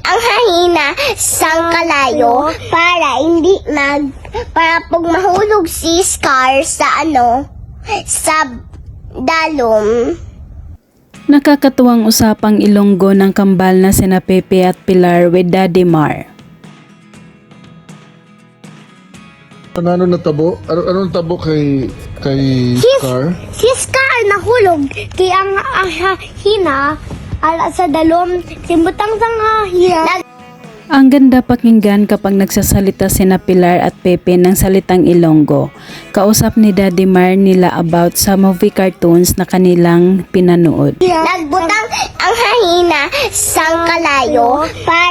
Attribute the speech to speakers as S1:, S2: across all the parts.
S1: ang hangina sang kalayo para pag mahulog si Scar sa sa dalom.
S2: Nakakatuwang usapang Ilonggo ng kambal na sina Pepe at Pilar with Daddy Mar.
S3: Ano natabo? Ano natabo kay Scar?
S1: Si Scar nahulog kay ang hina sa dalom simbutang sang hina.
S2: Ang ganda pakinggan kapag nagsasalita sina Pilar at Pepe ng salitang Ilonggo. Kausap ni Daddy Mar nila about sa movie cartoons na kanilang pinanood.
S1: Nagbutang ang hangina sang kalayo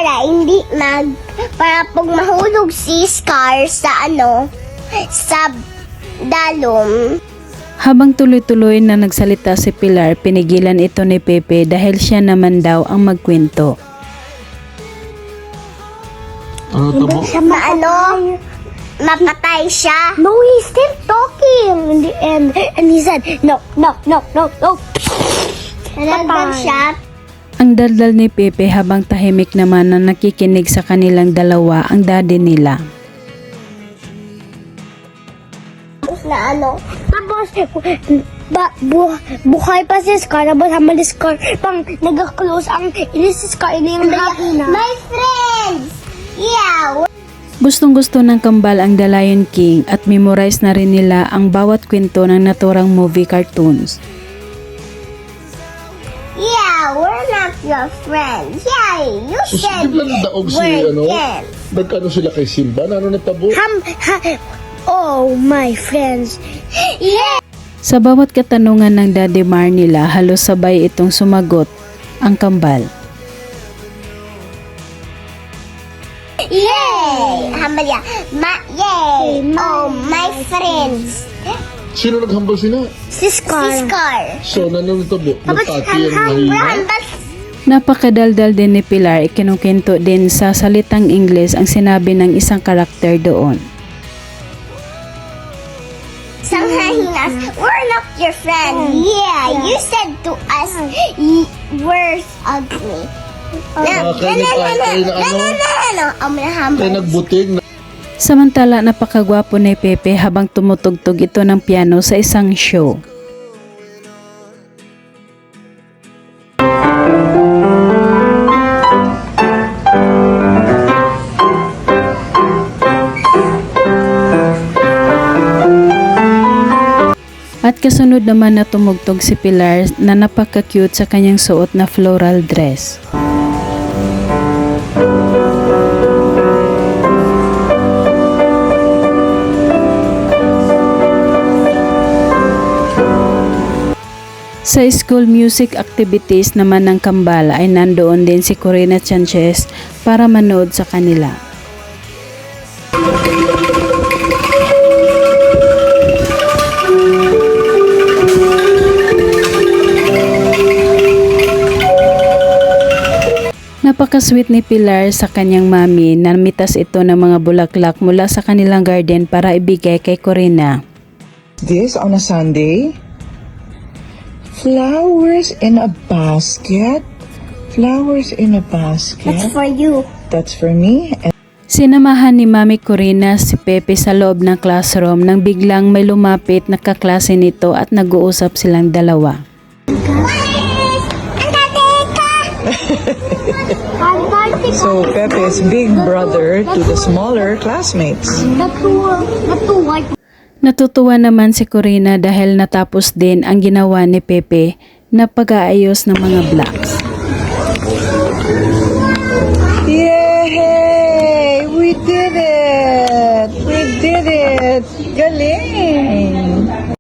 S1: para pag mahulog si Scar sa sa dalom.
S2: Habang tuloy-tuloy na nagsalita si Pilar, pinigilan ito ni Pepe dahil siya naman daw ang magkwento.
S3: Ano natabo?
S1: Mapatay siya. No, he's still talking in the end. And he said, no. Nalagdag siya.
S2: Ang daldal ni Pepe habang tahimik naman na nakikinig sa kanilang dalawa ang daddy nila.
S1: Tapos, buhay pa si Scar, tapos hamal si Scar, pang nag-close ang inis si Scar, ini yung hangina. My friends! Yeah!
S2: Gustong-gusto ng kambal ang The Lion King at memorize na rin nila ang bawat kwento ng naturang movie cartoons.
S1: Yeah, we're not your friends. Yeah, you said
S3: Di ba nadaog si nagkano sila kay Simba? Ano natabo?
S1: Oh, my friends. Yeah!
S2: Sa bawat katanungan ng Daddy Mar nila, halos sabay itong sumagot ang kambal.
S1: Yay! Hamalya. Yay! Oh, my friends.
S3: Sino naghambal sila?
S1: Si Scar.
S3: So, natabo? Nagpati ang mahina?
S2: Napakadaldal din ni Pilar, ikinukwento din sa salitang Ingles ang sinabi ng isang karakter doon.
S1: Sanghahinas, we're not your friend. Yeah, you said to us, we're ugly. No.
S3: Kaya nagbuting.
S2: Samantala, napakagwapo ni Pepe habang tumutugtog ito ng piano sa isang show. At kasunod naman na tumugtog si Pilar na napaka-cute sa kanyang suot na floral dress. Sa school music activities naman ng kambal ay nandoon din si Corina Sanchez para manood sa kanila. Napaka-sweet ni Pilar sa kanyang mami na mitas ito ng mga bulaklak mula sa kanilang garden para ibigay kay Corina.
S4: This on a Sunday? Flowers in a basket? Flowers in a basket?
S1: That's for you.
S4: That's for me?
S2: Sinamahan ni Mami Corina si Pepe sa loob ng classroom nang biglang may lumapit na kaklase nito at nag-uusap silang dalawa.
S4: So Pepe's big brother to the smaller classmates.
S2: Natutuwa naman si Corina dahil natapos din ang ginawa ni Pepe na pag-aayos ng mga blocks.